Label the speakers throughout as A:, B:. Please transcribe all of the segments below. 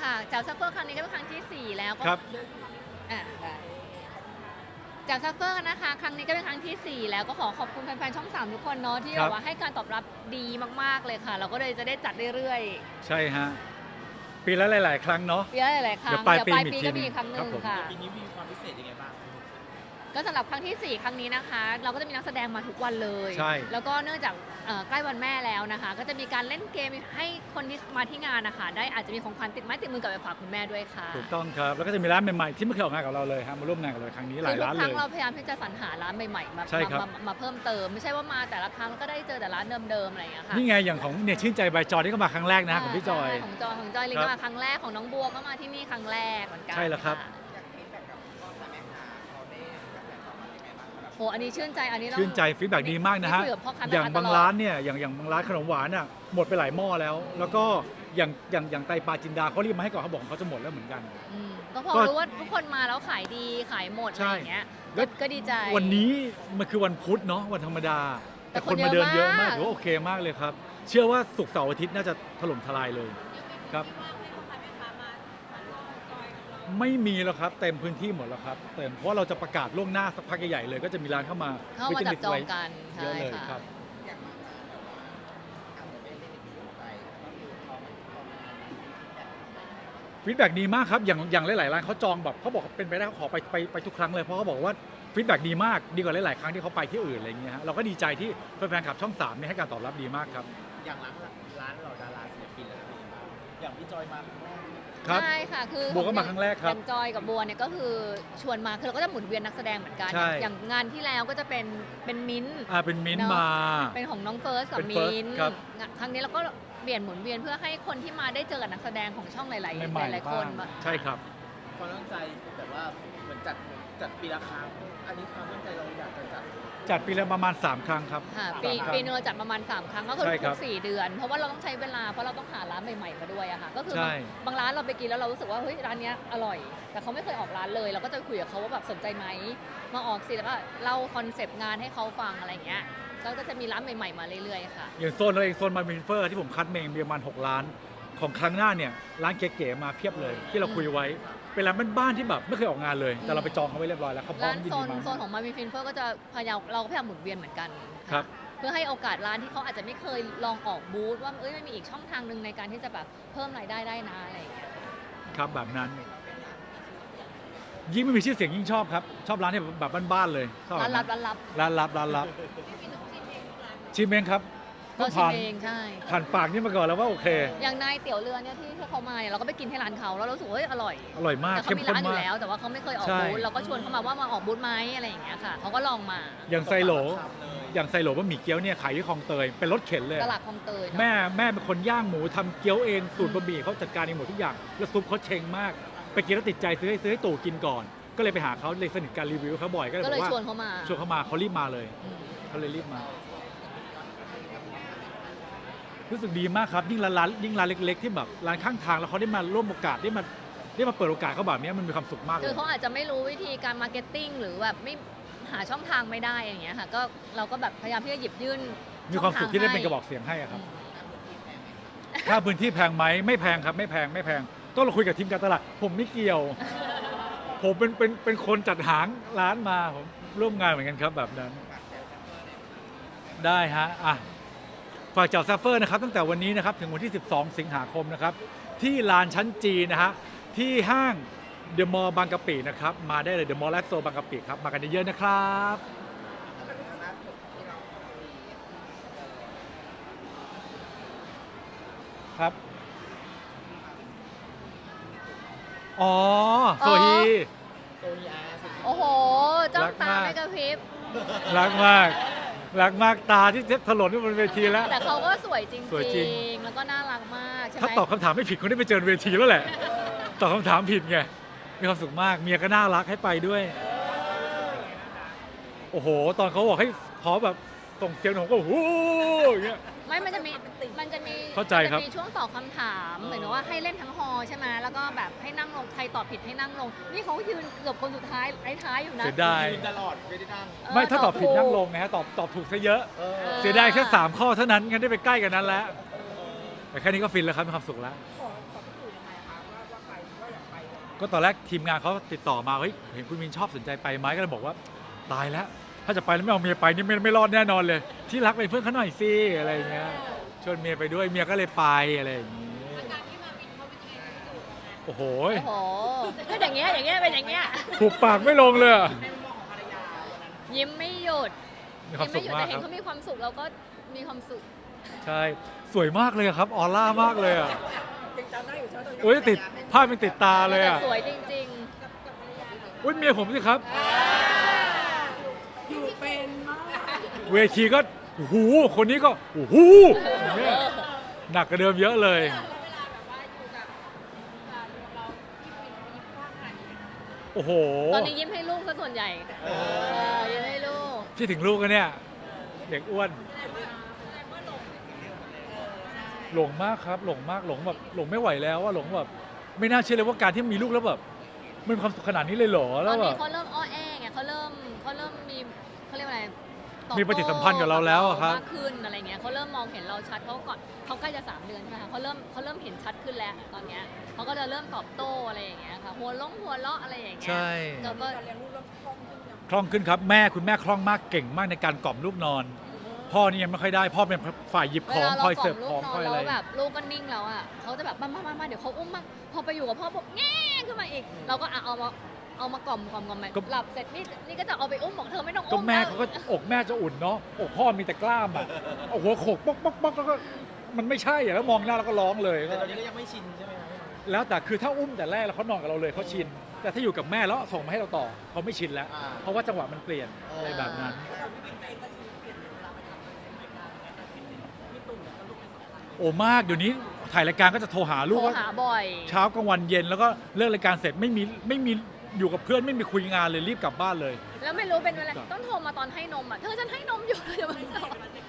A: ค่ะแจ่วซัฟเฟอร์ครั้งนี้ก็เป็นครั้งที่4แล้วก็
B: ครับ
A: ได้แจ่วซัฟเฟอร์นะคะครั้งนี้ก็เป็นครั้งที่4แล้วก็ขอขอบคุณแฟนๆช่อง3ทุกคนเนาะที่แบบว่าให้การตอบรับดีมากๆเลยค่ะเราก็เลยจะได้จัดเรื่อย
B: ใช่ฮะปีละหลายๆครั้งเนาะ
A: ๆปีละหลายๆครั้ง
B: เดี๋ยวปลายปี
A: ก็มีอีกครั้งหนึ่
B: ครั
A: ง
B: บผม
A: ค่ะ
C: ปีนี้มีความพิเศษยังไงบ้าง
A: ก็สำหรับครั้งที่4ครั้งนี้นะคะ เราก็จะมีนักแสดงมาทุกวันเลย
B: ใช่
A: แล้วก็เนื่องจากใกล้วันแม่แล้วนะคะ ก็จะมีการเล่นเกมให้คนที่มาที่งานนะคะได้อาจจะมีของขวัญติดไม้ติดมือกลับไปฝากคุณแม่ด้วยค่ะ
B: ถูกต้องครับแล้วก็จะมีร้านใหม่ๆที่ไม่เคยออกงานกับเราเลยครับมาร่วมงานกับเราครั้งนี้หลายร้าน
A: ทุกค
B: เล
A: รั้ง
B: ย
A: เราพยายามที่จะสรรหาร้านใหม่ๆ
B: ใช่ครับ
A: มาเพิ่มเติมไม่ใช่ว่ามาแต่ละครั้งก็ได้เจอแต่ร้านเดิมๆอะไรอย่างเงี้ยค่ะ
B: นี่ไงอย่างของเนี่ยชื่นใจใบจอยที่ก็มาครั้งแรกนะของพี่จอย
A: ใช่ของจอยลิง
B: ครับ
A: ก็มาครั้งแรกของน้องบัวก็มาที่นี่ครั้งแรกเหมือนกัน
B: ใช่แล้วครับ
A: โอ้อันนี้ชื่นใจอันนี้ต้อง
B: ชื่นใจฟีดแบ็กดีมากนะฮะ
A: คุยกับพ่อค้าแม่ค้า
B: อย่างบาง
A: ตลอด
B: ร้านเนี่ยอย่างบางร้านขนมหวานอ่ะหมดไปหลายหม้อแล้ว แล้วก็อย่างไตปลาจินดาเขารีบมาให้ก่อนเขาบอกเขาจะหมดแล้วเหมือนกัน
A: ก็พอ
B: ก็
A: รู้ว่าทุกคนมาแล้วขายดีขายหมดอะไรอย่างเงี้ย
B: ใช่
A: ก็ดีใจ
B: วันนี้มันคือวันพุธเนาะวันธรรมดา
A: แต่
B: แต่คน
A: คน
B: มาเดิน
A: เย
B: เย
A: อะมาม
B: อะาก กถือว่าโอเคมากเลยครับ เชื่อว่าศุกร์เสาร์อาทิตย์น่าจะถล่มทลายเลยครับ ไม่มีแล้วครับเต็มพื้นที่หมดแล้วครับเต็มเพราะเราจะประกาศล่วงหน้าสักพักใหญ่ๆเลยก็จะมีร้านเข้ามา
A: จับจองกัน
B: เย
A: ใช่
B: อะเลย
A: ค่ะ
B: ครับ ฟีดแบ็กดีมากครับอย่างหลายๆร้านเขาจองแบบเขาบอกเป็นไปได้เขาขอไปทุกครั้งเลยเพราะเขาบอกว่าฟีดแบ็กดีมากดีกว่าหลายๆครั้งที่เขาไปที่อื่นอะไรอย่างเงี้ยฮะเราก็ดีใจที่แฟนๆขับช่อง3เนี่ยให้การตอบรับดีมากครับ
C: อย่างร้านเหล่าดาราศิลปินแล้วเป็นยังไงบ้างอย่างพี่จอยมาครั้งแรก
B: ครับ
A: ใช่ค่ะคือ
B: บัวก็มาครั้งแรกครับ
A: อย่างจอยกับบัวเนี่ยก็คือชวนมาคือเราก็จะหมุนเวียนนักแสดงเหมือนกัน
B: ใช่
A: อย่างงานที่แล้วก็จะเป็นมิ้นท์
B: เป็นมิ้นท์
A: เนอะ
B: มา
A: เป็นของน้องเฟิร์สกับ
B: เป็น
A: มิ
B: First
A: นท์
B: ครับ
A: ครั้งนี้เราก็เปลี่ยนหมุนเวียนเพื่อให้คนที่มาได้เจอกับนักแสดงของช่องหลาย
B: ใหม่
A: ๆหลาย
B: ๆ
A: ๆคน
B: บ้างใช่ครับ
C: ความตั้งใจแต่ว่าเหมือนจัดปีละครั้งอันนี้ความตั้งใจเราอยากจะจัด
B: จัดปีละประมาณ3ครั้งครับ
A: ค่ะ
B: สาม
A: ปี
B: ครั้ง
A: นึงเราจัดประมาณ3ครั้งก็คือ
B: ใช่ครั
A: ทุ
B: บ
A: ก4 เดือน เพราะว่าเราต้องใช้เวลาเพราะเราต้องหาร้านใหม่ๆมาด้วยอะค่ะก็คือ
B: ใช่
A: บางร้านเราไปกินแล้วเรารู้สึกว่าเฮ้ยร้านเนี้ยอร่อย แต่เขาไม่เคยออกร้านเลย เราก็จะคุยกับเขาว่าแบบสนใจไหมมาออกสิแล้วก็เล่าคอนเซปต์งานให้เขาฟังอะไรอย่างเงี้ยก็จะมีร้านใหม่ๆมาเรื่อยๆค่ะ
B: อย่างโซนเราเองโซนมาวินเฟอร์ที่ผมคัดเมงมีประมาณ6 ล้าน ของครั้งหน้าเนี่ยร้านเก๋ๆมาเพียบเลย ที่เราคุยไว้เป็นร้านบ้านๆที่แบบไม่เคยออกงานเลย แต่เราไปจองเขาไว้เรียบร้อยแล้วเขาพร้อ
A: ร้าม น
B: ยิน
A: โซ
B: ดี
A: น
B: มา
A: โซนของมาวินฟินเฟอร์ก็จะพยายามเราก็พยายามหมุนเวียนเหมือนกัน
B: ครับ
A: เพื่อให้โอกาสร้านที่เขาอาจจะไม่เคยลองออกบูธว่ามันมีอีกช่องทางหนึ่งในการที่จะแบบเพิ่มรายได้ได้นะอะไรอย่างเงี้ย
B: ครับแบบนั้น ยิ่งไม่มีชื่อเสียงยิ่งชอบครับ ชอบร้านที่แบบบ้านๆเลยชอบ
A: ร้านลับ
B: ร้านลับชิมเองครับ
A: ก็
B: ต้อง
A: ชิม
B: ผ่าน
A: เองใช่
B: ผ่านปากนี่มาก่อนแล้วว่าโอเค
A: อย่างนายเตี๋ยวเรือเนี่ยที่เขามาเนี่ยเราก็ไปกินที่ร้านเขาแล้วเรารู้สึกว่าเฮ้ยอร่อย
B: อร่อยมาก
A: แต่เขา
B: เข้ม
A: มี
B: ข้น
A: ร้านอยู่
B: มาก
A: แล้วแต่ว่าเขาไม่เคยออก
B: ใช่
A: บูธเราก็ชวนเขามาว่ามาออกบูธไหมอะไรอย่างเงี้ยค่ะเขาก็ลองมา
B: อย่างไซโหลอย่างไซโหลบะหมี่เกี๊ยวเนี่ยขายที่คลองเตยเป็นรถเข็นเลย
A: ตลาดคลองเตยเนอะ
B: แม่เป็นคนย่างหมูทำเกี๊ยวเองสูตรบะหมี่เขาจัดการเองหมดทุกอย่างแล้วซุปเขาเชงมาก ไปกินแล้วติดใจซื้อให้ตู่กินก่อน ก็เลยไปหาเขาเลยสนิทการรีวิวเขาบ่อยก็เลย
A: ก็
B: บ
A: เล
B: อย กว่า
A: ชวนเขามา
B: ชวนเขามาเขารีบมาเลย
A: อืม
B: เขาเลยรีบมา รู้สึกดีมากครับยิ่งร้านเล็กๆที่แบบร้านข้างทางแล้วเขาได้มาร่วมโอกาสได้มาเปิดโอกาสเขาแบบนี้มันมีความสุขมากเล
A: คือย เขาอาจจะไม่รู้วิธีการมาร์เก็ตติ้งหรือแบบไม่หาช่องทางไม่ได้อย่างเงี้ยค่ะก็เราก็แบบพยายามที่จะหยิบยื่น
B: มีความสุขที่ได้เป็น
A: ช่
B: ก
A: องทาง
B: ระบอกเสียงให้อะค
A: อื
B: รับ
A: ม
B: ค่าพื้นที่แพงไหมไม่แพงครับไม่แพงต้องเราคุยกับทีมการตลาดผมไม่เกี่ยว ผมเป็นคนจัดหางร้านมาผมร่วมงานเหมือนกันครับแบบนั้น ได้ฮะอ่ะฝากเจ้าซัฟเฟอร์นะครับตั้งแต่วันนี้นะครับถึงวันที่ 12 สิงหาคมนะครับที่ลานชั้นจีนะฮะที่ห้างเดอะมอลล์บางกะปินะครับมาได้เลยเดอะมอลล์แลสโซบางกะปิครับมากันเยอะๆนะครับครับอ๋อโซฮี
C: โซนีอาร์สิ
A: โอ้โหจ้องตา
B: รักมาก
A: ไม่กระพริบ
B: รักมากตาที่ถลนที่บนเวทีแล้ว
A: แต่เขาก็สวยจริง
B: สวยจริง
A: ๆแล้วก็น่ารักมากใช่ไหม
B: ถ้าตอบคำถามไม่ผิดคนได้ไปเจอเวทีแล้วแหละ ตอบคำถามผิดไง มีความสุขมาก เมียก็น่ารักให้ไปด้วย โอ้โห ตอนเขาบอกให้ขอแบบส่งเสียงผมก็โอ้โหอย่างเงี้ย
A: ไม่มันจะมี
B: เข้าใจครับ
A: มันจะมีช่วงตอบคำถามเหมือนว่าให้เล่นทั้งฮอลล์ใช่ไหมแล้วก็แบบให้นั่งลงใครตอบผิดให้นั่งลง นี่เขายืนเกือบคนสุดท้ายท้ายๆอยู่นะ
B: เสียดาย
C: ยืนตลอดไม่ได้นั่ง
B: ไม่ถ้าตอบผิดนั่งลงไงฮะตอบถูกซะเยอะ เสียดายแค่3ข้อเท่านั้นงั้นได้ไปใกล้กันนั้นแล้ว แต่แค่นี้ก็ฟินแล้วครับมีความสุขแล้ว
D: ขอพี่ตู่ยังไงคะว่า
B: ก็ตอนแรกทีมงานเขาติดต่อมาเฮ้ยเห็นคุณมินชอบสนใจไปไหมก็เลยบอกว่าตายแล้วถ้าจะไปแล้วไม่เอาเมียไปนี่ไม่รอดแน่นอนเลย ที่รักเป็นเพื่อนเขาหน่อยสิอะไรอย่างเงี้ยชวนเมียไปด้วยเมียก็เลยไปอะไรอย่างงี้โอ้โห
A: โอ้โหก็อย่างเงี้ยเป็นอย่างเงี้ย
B: ผูกปากไม่ลงเลยอะ
A: ยิ้มไม่หยุด
B: มีความสุข
A: ยิ้
B: มาก
A: แต่เห็
B: คน รับ
A: เขามีความสุขเราก็มีความสุข
B: ใช่สวยมากเลยอะครับออร่ามากเลยอ่ะ
C: ยังจำได้อยู่ใช่ไหม
B: โอ้ยติดภาพมันติดตาเลยอ่ะ
A: แต่สวยจริง
B: อุ้ยเมียผมสิครับ
C: อยู่เป็นมาก
B: เวทีก็โอ้โหคนนี้ก็โอ้โหอย่างเงี้ยหนักกว่าเดิมเยอะเลย โอ้โห
A: ๆ ตอนนี้ยิ้มให้ลูกซะส่วนใหญ่ยิ้มให้ลูก
B: คิดถึงลูกกันเนี่ยเด็กอ้วนหลงมากครับหลงมากหลงแบบหลงไม่ไหวแล้วว่าหลงแบบไม่น่าเชื่อเลยว่าการที่มีลูกแล้วแบบมันมีความสุขขนาดนี้เลยเหรอ
A: ต
B: แล้
A: อ
B: วน แบ
A: นี้
B: บ
A: เขาเริ่มอ้อแอไงเขาเริ่มมีเขาเรียกว่าอะไรตอบโต้
B: มีปฏิสัมพันธ์กับเราแล้วอะครับ
A: มากขึ้นอะไรเงี้ยเขาเริ่มมองเห็นเราชัดเขาก่อนเขาใกล้จะ3 เดือนใช่ไหมคะเขาเริ่มเห็นชัดขึ้นแล้วตอนเนี้ยเขาก็จะเริ่มตอบโต้อะไรอย่างเงี้ยค่ะหัวเราะอะไรอย่างเงี้ย
B: ใช่
A: เราก็
C: การเลี้ยงลูกเริ่มคล่องขึ้นยัง
B: คล่องขึ้นครับคุณแม่คล่องมากเก่งมากในการกล่อมลูกนอน พ่อนี่ยังไม่ค่อยได้พ่อเป็นฝ่ายหยิบของคอยเสิร์ฟของคอยอะไร
A: แล้วแบบลูกก็นิ่งแล้วอ่ะเขาจะแบบมาเดี๋ยวเขาอุ้มมาพอไปอยู่กับพ่อปุ๊บแง่ขึ้นมาอีก เราก็เอามากล่อมไปหลับเสร็จนี่ก็จะเอาไปอุ้มบอกเธอไม่ต้อง
B: ก็
A: อุ้ม
B: แม่
A: แล้ว
B: เขาก็อกแม่จะอุ่นเนาะอกพ่อมีแต่กล้ามอ่ะเอาหัวโขกป๊อกป๊อกป๊อกแล้วก็มันไม่ใช่อ่ะแล้วมองหน้าแล้วก็ร้องเลย
C: แต่ตอนนี้ก็ยังไม่ชินใช่ไหมครับ
B: แล้วแต่คือถ้าอุ้มแต่แรกแล้วเขานอนกับเราเลยเขาชิน แต่ถ้าอยู่กับแม่แล้วส่งมาให้เราต่อเขาไม่ชินแล้ว เพราะว่าจังหวะมันเปลี่ยนอะไรแบบนั้น โอ้มากเดี๋ยวนี้ถ่ายรายการก็จะโทรหาลู
A: โท
B: ก
A: ร
B: ว่า
A: หาบ่อย
B: เช้ากลางวันเย็นแล้วก็เลิกรายการเสร็จไม่มีอยู่กับเพื่อนไม่มีคุยงานเลยรีบกลับบ้านเลย
A: แล้วไม่รู้เป็นอะไรต้องโทรมาตอนให้นมอ่ะเธอฉันให้นมอยู่เดี๋ยวมันต่อ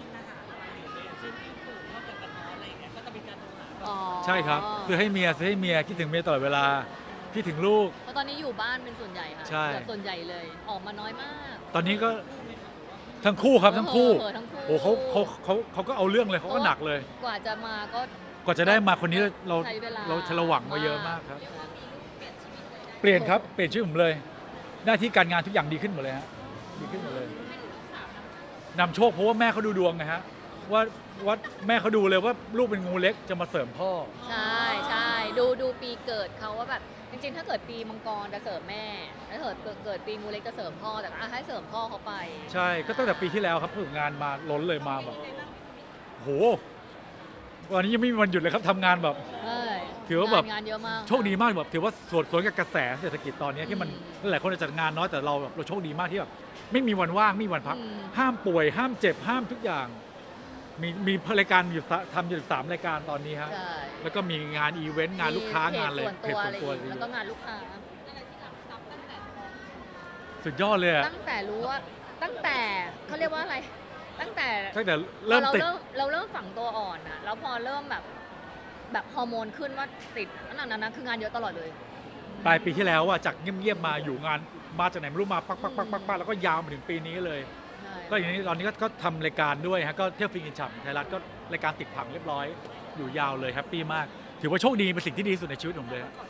A: อ๋อ
B: ใช่ครับซื้อให้เมียคิดถึงเมียตลอดเวลาคิดถึงลูก
A: เพราะตอนนี้อยู่บ้านเป็นส่วนใหญ่ค่ะ
B: ใช่
A: เกือบส่วนใหญ่เลยออกมาน้อยมาก
B: ตอนนี้ก็ทั้งคู่ครับทั้งคู่
A: ทั้งคู่
B: โอ้เขาก็เอาเรื่องเลยเขาก็หนักเลย
A: กว่าจะมาก็
B: กว่าจะได้มาคนนี้เรา
A: ใช้เวลา
B: เราหวังมาเยอะมากครับ เปลี่ยนครับเปลี่ยนชื่อผมเลย หน้าที่การงานทุกอย่างดีขึ้นหมดเลยฮะดีขึ้นหมดเลยนำโชคเพราะว่าแม่เขาดูดวงไงฮะว่าแม่เขาดูเลยว่าลูกเป็นงูเล็กจะมาเสริมพ่อ
A: ใช่ดูปีเกิดเขาว่าแบบจริงๆ ถ้าเกิดปีมังกรจะเสริมแม่ถ้าเกิดปีงูเล็กจะเสริมพ่อแต่ให้เสริมพ่อเขาไป
B: ใช่ก็ตั้งแต่ปีที่แล้วครับฝึกงานมาล้นเลยมาแบบโหวันนี้ยังไม่มีวันหยุดเลยครับทำงานแบบ ถือว่าแบบ
A: งานเยอะมาก
B: โชคดีมากแบบถือว่าสวนกับกระแสเศรษฐกิจตอนนี้ที่มันหลายคนจัดงานน้อยแต่เราแบบเราโชคดีมากที่แบบไม่มีวันว่างไม่มีวันพัก ห้ามป่วยห้ามเจ็บห้ามทุกอย่าง มีรายการอยู่ทำอยู่3 รายการตอนนี้ฮะ
A: ใช่
B: แล้วก็มีงานอีเวนต์งานลูกค้างานอะไร
A: เพจส่วนตัว
B: เพจ
A: แล้วก็งานลูกค้า
B: สุดยอดเลยอะ
A: ตั้งแต่รู้ว่าตั้งแต่เขาเรียกว่าอะไร ตั้งแต่
B: ตั้งแต่เริ่มติด
A: เราเริ่มฝังตัวอ่อนนะแล้วพอเริ่มแบบฮอร์โมนขึ้นว่าติดนั่นนะคืองานเยอะตลอดเลย
B: ปลายปีที่แล้วว่าจากเงียบๆมาอยู่งานมาจากไหนไม่รู้มาปักแล้วก็ยาวมาถึงปีนี้เลย
A: ใช่
B: ก็อย่างนี้ตอนนี้ก็ทำรายการด้วยฮะก็เที่ยวฟินกินฉ่ำไทยรัฐก็รายการติดผังเรียบร้อยอยู่ยาวเลยแฮปปี้มาก ถือว่าโชคดีเป็นสิ่งที่ดีที่สุดในชีวิตผมเลยฮะ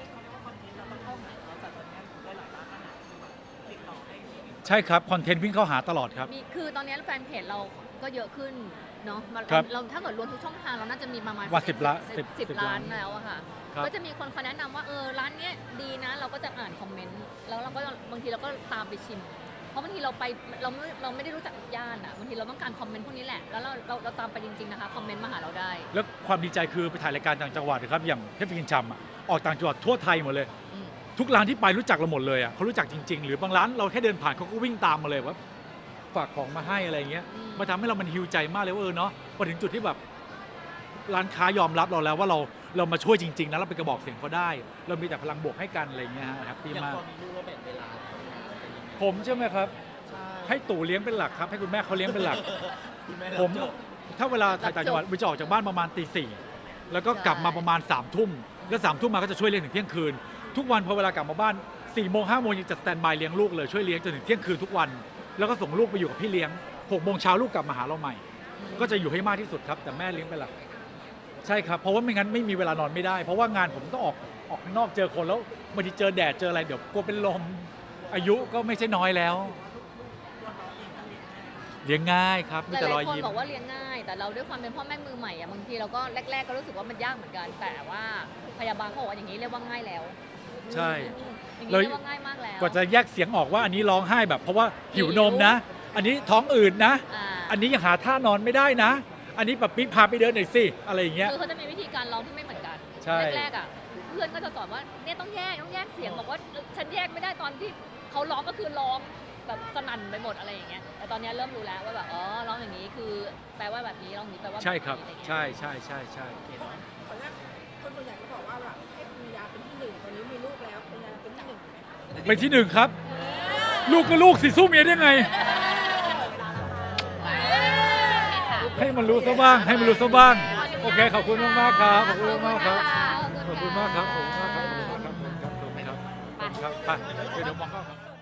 B: ใช่ครับคอนเทนต์วิ่งเข้าหาตลอดครับ
A: คือตอนนี้แฟนเพจเราก็เยอะขึ้นเนาะ
B: ครับ
A: เราถ้าเกิดรวมทุกช่องทางเราน่าจะมีประมาณ
B: ว่า10 ล้าน
A: 10
B: 10
A: ล้านแล้วอะค่ะ
B: ครับ
A: ก็จะมีคนแนะนำว่าร้านเนี้ยดีนะเราก็จะอ่านคอมเมนต์แล้วเราก็บางทีเราก็ตามไปชิม เพราะบางทีเราไปเราไม่ได้รู้จักย่านอะบางทีเราต้องการคอมเมนต์พวกนี้แหละแล้วเราตามไปจริงๆนะคะคอมเมนต์มาหาเราได้
B: แล้วความดีใจคือไปถ่ายรายการต่างจังหวัดนะครับอย่างเทพฟินกินฉ่ำอะออกต่างจังหวัดทั่วไทยหมดเลย
A: อืม
B: ทุกร้านที่ไปรู้จักเราหมดเลยอ่ะเขารู้จักจริงๆ หรือบางร้านเราแค่เดินผ่านเขาก็วิ่งตามมาเลยว่าฝากของมาให้อะไรเงี้ยมาทำให้เรามันฮิวใจมากเลยว่าเนาะพอถึงจุดที่แบบร้านค้ายอมรับเราแล้วว่าเรามาช่วยจริงๆนะเราเป็นกระบอกเสียงเขาได้ เรามีแต่พลังบวกให้กันอะไรเงี้ยฮะแฮปปี้
C: อย่าง
B: มาก
C: พอมีลูกแล้วแบ่งเวลาทำงานเป็นยังไง
B: ผมใช่ไหมครับ
C: ใช่
B: ให้ตู่เลี้ยงเป็นหลักครับให้คุณแม่เขาเลี้ยงเป็นหลัก
C: คุณแม่
B: ผม
C: รับจบ
B: ถ้าเวลาถ่ายต่างจังหวัดวิจะออกจากบ้านประมาณตี 4แล้วก็กลับมาประมาณ3 ทุ่มแล้ว3 ทุ่มมาก็จะช่วยเลี้ยงถึงเที่ยงคืน ทุกวันพอเวลากลับมาบ้าน4 โมง 5 โมงยังจะสแตนบายเลี้ยงลูกเลยช่วยเลี้ยงจนถึงเที่ยงคืนทุกวัน แล้วก็ส่งลูกไปอยู่กับพี่เลี้ยง6 โมงเช้าลูกกลับมาหาเราใหม่ ก็จะอยู่ให้มากที่สุดครับแต่แม่เลี้ยงเป็นหลักใช่ครับเพราะว่าไม่งั้นไม่มีเวลานอนไม่ได้ เพราะว่างานผมต้องออกข้างนอกเจอคนแล้วบางทีเจอแดดเจออะไรเดี๋ยวกลัวเป็นลม อายุก็ไม่ใช่น้อยแล้ว เลี้ยงง่ายครับ
A: ห
B: มีแต่ร
A: ลา
B: อย
A: ยๆคน
B: ยิ้ม
A: บอกว่าเลี้ยงง่าย แต่เราด้วยความเป็นพ่อแม่มือใหม่อะบางทีเราก็แรกๆก็รู้สึกว่ามันยากเหมือนกัน แต่ว่าพยาบาลเขาบอกว่าอย่างนี้เรียกว่าง่ายแล้ว
B: ใช่
A: อย่างนี้เรียกว่าง่ายมากแล้ว
B: กว่าจะแยกเสียงออกว่าอันนี้ร้องไห้แบบ เพราะว่าหิวนมนะ อันนี้ท้องอืดนะ
A: า
B: อันนี้ยังหาท่านอนไม่ได้นะ อันนี้แบบปิ๊กพาไปเดินหน่อยสิอะไรอย่างเงี้ย
A: คือเขาจะมีวิธีการร้องที่ไม่เหมือนกัน
B: ใช่
A: แรกๆอ่ะเพื่อนก็จะสอนว่าเนี่ยต้องแยกเสียงบอกว่าฉันแยกไม่ได้ตอนที่เขาร้องก็คือร้องแบบสนั่นไปหมดอะไรอย่างเงี้ยแต่ตอนนี้เริ่มรู้แล้วว่าแบบอ๋อร้องอย่างนี้คือแปลว่าแบบนี้ร้องอย่างนี้แปลว่า
B: ใช่ครับ
A: แนี้อะไเงี้ย
B: ใช่ใช่ใช่ใช่
D: ขออนุญาตคนส่วนใหญ่ก็บอกว่าแบบให้ปริญญาเป็นที่หนึ่งตอนนี้มีลูกแล้วปริญญาเป็นที่หนึ่งไหม
B: เป็นที่หนึ่งครับ ลูกก็ลูกสิสู้เมียได้ไง ให้มันรู้ซะบ้าง ให้มันรู้ซะบ้าง โอเค ขอบคุณมากๆครับ ขอบคุณมากๆครับ ขอบคุณมากครับ ขอบคุณมากครับ ขอบคุณมากครับ ขอบคุณครับ ขอบคุณครับ ไปเดี๋ยวมองกล้องครับ